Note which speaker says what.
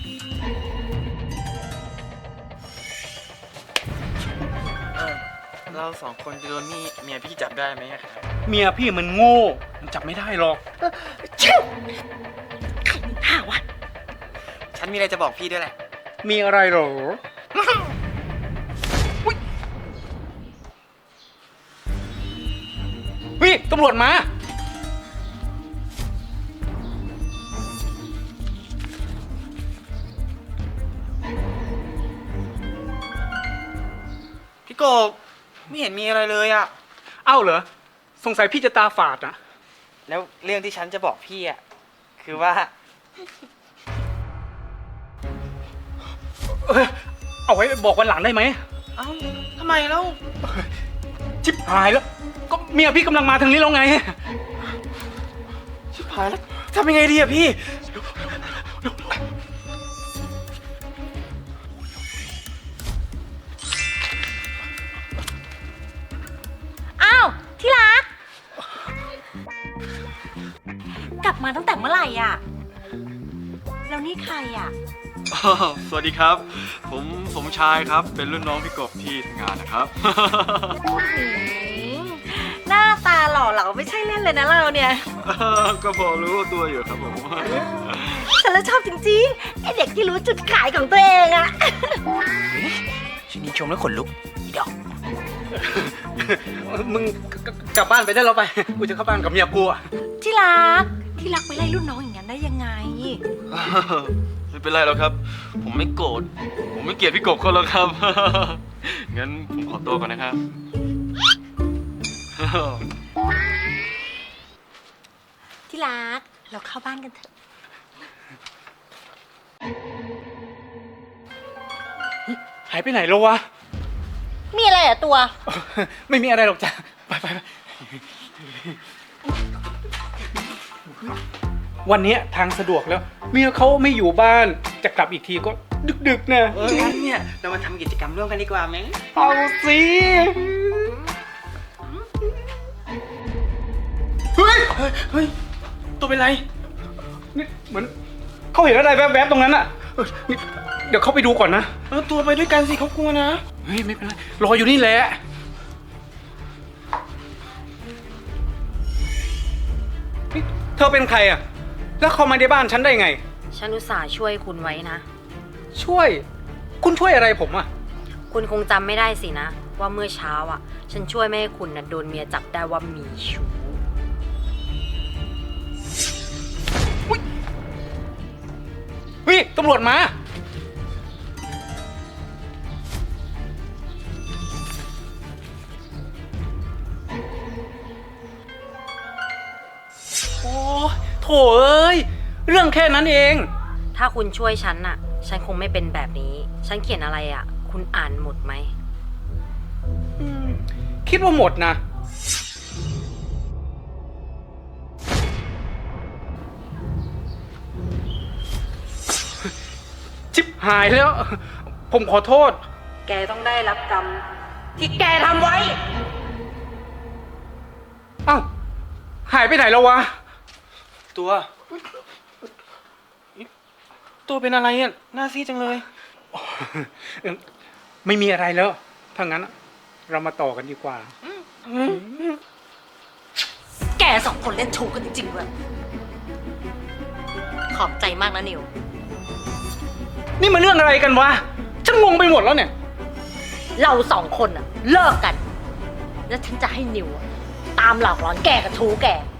Speaker 1: เราสองคนจะโดนนี่เมียพี่จับได้ไหมครับ
Speaker 2: เมียพี่มันโง่มันจับไม่ได้หรอก
Speaker 3: ใช่ใครมีท่าวะ
Speaker 1: ฉันมีอะไรจะบอกพี่ด้วยแหละ
Speaker 2: มีอะไรหรออุ๊ยตำรวจมา
Speaker 1: พี่โกบไม่เห็นมีอะไรเลยอะ
Speaker 2: เอ้าเหรอสงสัยพี่จะตาฝาดอะ
Speaker 1: แล้วเรื่องที่ฉันจะบอกพี่อะคือว่า
Speaker 2: เอาไว้บอกวันหลังได้ไหม
Speaker 1: เอ้าทำไมแล้ว
Speaker 2: ชิบหายแล้ว ก็เมียพี่กำลังมาทางนี้แล้วไง
Speaker 1: ชิบหายแล้วทำยังไงดีอะพี่
Speaker 3: อ้าวที่รัก กลับมาตั้งแต่เมื่อไหร่อ่ะ แล้วนี่ใครอ่ะ
Speaker 4: สวัสดีครับ ผมสมชายครับ เป็นรุ่นน้องพี่กบที่ทำงานนะครับ
Speaker 3: หน้าตาหล่อเหลาไม่ใช่เล่นเลยนะเราเนี่ย
Speaker 4: ก็พอรู้ตัวอยู่ครับผม
Speaker 3: ฉันแล้วชอบจริงๆไอเด็กที่รู้จุดขายของตัวเองอะ
Speaker 1: ฉันนี่ชมแล้วขนลุกอีดอก
Speaker 2: มึงกลับบ้านไปได้แล้วไป กูจะเข้าบ้านกับเมียกูอะ
Speaker 3: ที่รักไปไล่รุ่นน้องอย่างนั้นได้ยังไง
Speaker 4: ไม่เป็นไรหรอกครับ ผมไม่โกรธ ผมไม่เกลียดพี่กบเขาแล้วครับ งั้นผมขอตัวก่อนนะครับ
Speaker 3: ที่รักเราเข้าบ้านกันเถอะ
Speaker 2: หายไปไหนแล้ววะ
Speaker 3: มีอะไรอะตัว
Speaker 2: ไม่มีอะไรหรอกจ้ะ ไปวันนี้ทางสะดวกแล้ว เมียเขาไม่อยู่บ้าน จะกลับอีกทีก็ดึกๆนะ
Speaker 1: งั้นเนี่ยเรามาทำกิจกรรมร่วมกันดีกว่าไหม
Speaker 2: เอาสิ เฮ้ย
Speaker 1: ตัวเป็นไร
Speaker 2: นี่เหมือนเขาเห็นอะไรแวบๆตรงนั้นอะนี่เดี๋ยวเขาไปดูก่อนนะ
Speaker 1: ตัวไปด้วยกันสิเขากลัวนะ
Speaker 2: เฮ้ยไม่เป็นไร รออยู่นี่แหละนี่เธอเป็นใครอะแล้วเขามาในบ้านฉันได้ไง
Speaker 5: ฉันอุตส่าห์ช่วยคุณไว้นะ
Speaker 2: ช่วย คุณช่วยอะไรผมอะ
Speaker 5: คุณคงจำไม่ได้สินะ ว่าเมื่อเช้าอ่ะ ฉันช่วยไม่ให้คุณนะโดนเมียจับได้ว่ามีชู้
Speaker 2: เฮ้ยตำรวจมา โอ้โถเอ้ย เรื่องแค่นั้นเอง
Speaker 5: ถ้าคุณช่วยฉันน่ะ ฉันคงไม่เป็นแบบนี้ ฉันเขียนอะไรอ่ะ คุณอ่านหมดไหม
Speaker 2: คิดว่าหมดนะ ชิบหายแล้ว ผมขอโทษ
Speaker 5: แกต้องได้รับกรรมที่แกทำไว้
Speaker 2: เอ้า หายไปไหนแล้ววะ
Speaker 1: ตัวเป็นอะไรอ่ะหน้าซีดจังเลย
Speaker 2: ไม่มีอะไรแล้ว ถ้างั้นเรามาต่อกันดีกว่า
Speaker 3: แกสองคนเล่นชูกันจริงๆเลยขอบใจมากนะนิว
Speaker 2: นี่มันเรื่องอะไรกันวะ ฉันงงไปหมดแล้วเนี่ย
Speaker 3: เราสองคนอะเลิกกัน แล้วฉันจะให้นิวอะตามหลอกหลอนแกกับชูแก